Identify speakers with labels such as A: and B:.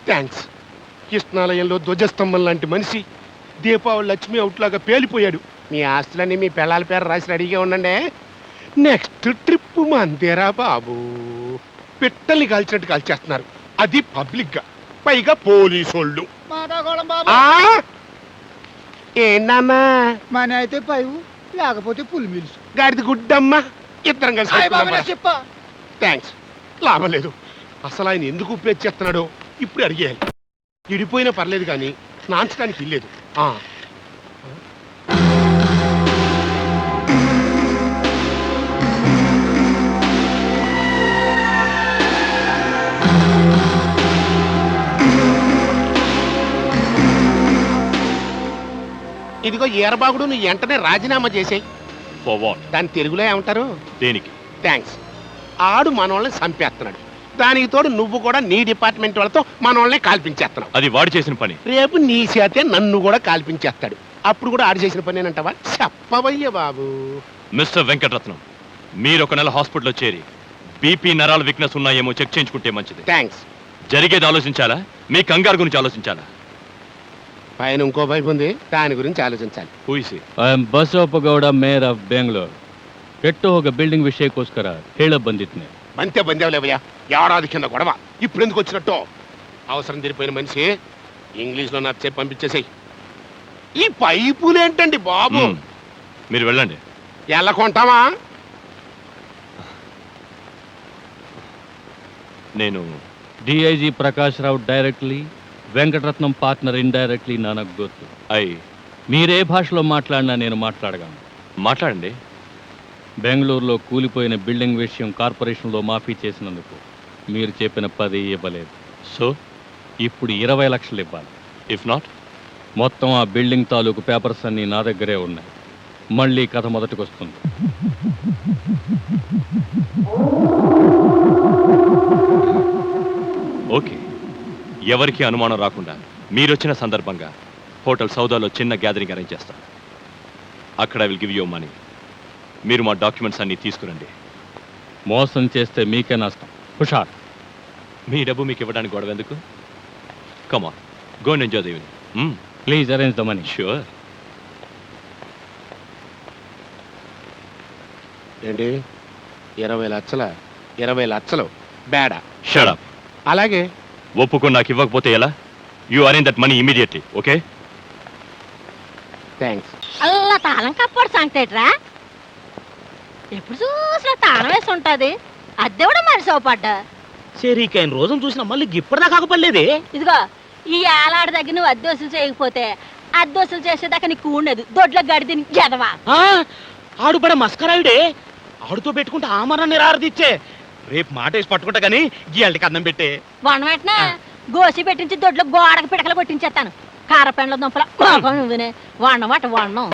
A: Thanks. కృష్ణాలయంలో ధ్వజస్తంభం లాంటి మనిషి దీపావళి లక్ష్మి అవుట్లాగా పేలిపోయాడు. మీ ఆస్తులన్నీ మీ పిల్లల పేరు రాసి రెడీగా ఉండండి. నెక్స్ట్ ట్రిప్ మందేరా బాబు. పిట్టల్ని కాల్చినట్టు కాల్చేస్తున్నారు, అది పబ్లిక్ గా, పైగా పోలీసోళ్ళు. ఏంటమ్మా
B: మన అయితే పైవు లేకపోతే పులి మిల్స్
A: గాడిది గుడ్డమ్మా. ఇద్దరం కలిసి థ్యాంక్స్. లాభం లేదు. అసలు ఆయన ఎందుకు ఉపయోగించేస్తున్నాడో ఇప్పుడు అడిగేయాలి. ఇడిపోయినా పర్లేదు కానీ నాంచడానికి ఇల్లేదు. ఇదిగో ఈరబాగుడు, నువ్వు వెంటనే రాజీనామా చేసేయి. దాని తెలుగులో ఏమంటారు?
C: దేనికి?
A: థ్యాంక్స్. ఆడు మనోళ్ళని చంపేస్తున్నాడు, దానికి తోడు నువ్వు కూడా నీ డిపార్ట్మెంట్ వాళ్ళతో మనోళ్ళని కాల్పించేస్తున్నావు.
C: అది వాడు చేసిన పని.
A: రేపు నీ చేతే నన్ను కూడా కాల్పించేస్తాడు, అప్పుడు కూడా ఆడు చేసిన పని అంటావా? చెప్పవయ్య బాబు.
C: మిస్టర్ వెంకటరత్నం, మీరు ఒక నెల హాస్పిటల్లో చేరి బీపీ నరాల వీక్నెస్ ఉన్నాయేమో చెక్ చేయించుకుంటే మంచిది.
A: థ్యాంక్స్.
C: జరిగేది ఆలోచించాలా, మీ కంగారు గురించి ఆలోచించాలా?
A: పైన ఇంకో వైపు ఉంది, దాని గురించి ఆలోచించాలి.
D: I am Basavappa Gowda, mayor of Bengaluru. ಕೆಟ್ಟು ಹೋಗ ಬಿಲ್ಡಿಂಗ್ ವಿಷಯಕ್ಕೋಸ್ಕರ ಹೇಳ ಬಂದಿದ್ನೆ.
A: బంతే బందేవులేవయ్యా, ఏడాది కింద గొడవ, ఇప్పుడు ఎందుకు వచ్చినట్టు? అవసరం తీరిపోయిన మనిషి ఇంగ్లీష్లో నాకు చెప్పి పంపించేసాయి. ఈ పైపులేంటండి బాబు?
C: మీరు వెళ్ళండి.
A: ఎలా కొంటావా?
C: నేను
D: DIG Prakash Rao directly, Venkataratnam partner indirectly నాకు గుర్తు. మీరే భాషలో మాట్లాడినా నేను మాట్లాడగలను.
C: మాట్లాడండి.
D: బెంగళూరులో కూలిపోయిన బిల్డింగ్ విషయం కార్పొరేషన్లో మాఫీ చేసినందుకు మీరు చెప్పిన 10 ఇవ్వలేదు.
C: సో
D: ఇప్పుడు 20 లక్షలు ఇవ్వాలి.
C: ఇఫ్ నాట్,
D: మొత్తం ఆ బిల్డింగ్ తాలూకు పేపర్స్ అన్నీ నా దగ్గరే ఉన్నాయి. మళ్ళీ కథ మొదటికి వస్తుంది.
C: ఓకే. ఎవరికి అనుమానం రాకుండా మీరొచ్చిన సందర్భంగా హోటల్ సౌదాలో చిన్న గ్యాదరింగ్ అరేంజ్ చేస్తాను. అక్కడ I will give you money. మీరు మా డాక్యుమెంట్స్ అన్నీ తీసుకురండి.
D: మోసం చేస్తే మీకే నష్టం. హుషార్.
C: మీ డబ్బు మీకు ఇవ్వడానికి గొడవ ఎందుకు? Come on, go and enjoy the evening.
D: Please arrange the money.
C: Sure.
A: ఏంటి 20 లక్షల? 20 లక్షలు బేడా.
C: Shut up.
A: అలాగే.
C: ఒప్పుకొని నాకు ఇవ్వకపోతే ఎలా? You arrange that money immediately. Okay?
A: Thanks.
E: అల్లా తాళం కప్పాడు సంగతేట్రా. ఎప్పుడు చూసినా తాళం వేసి ఉంటది, అద్దె కూడా మరి సోపడ్డా.
B: సరికైన రోజును చూసిన మళ్ళీ ఇప్పటిదా కాకపోలేదే.
E: ఇదిగో ఈ ఏలాడి దగ్గర నువ్వు అద్దె వసూలు చేయకపోతే అద్దె వసూలు చేసేదాకా నీకు ఉండదు. దొడ్లో గడిది ఎదవా.
B: ఆడు పడే మస్కరాయుడే, ఆడుతో పెట్టుకుంటే ఆమరాన్ని రారదిచ్చే. రేపు మాట వేసి పట్టుకుంటా కానీ గీయాలకి అన్నం పెట్టే.
E: వన వెంటనే గోసి పెట్టించి దొడ్లో గోడకు పిడకలు కొట్టించేస్తాను. కారపెండ్ల దుంపల నువ్వునే వన్నమాట వన్నం.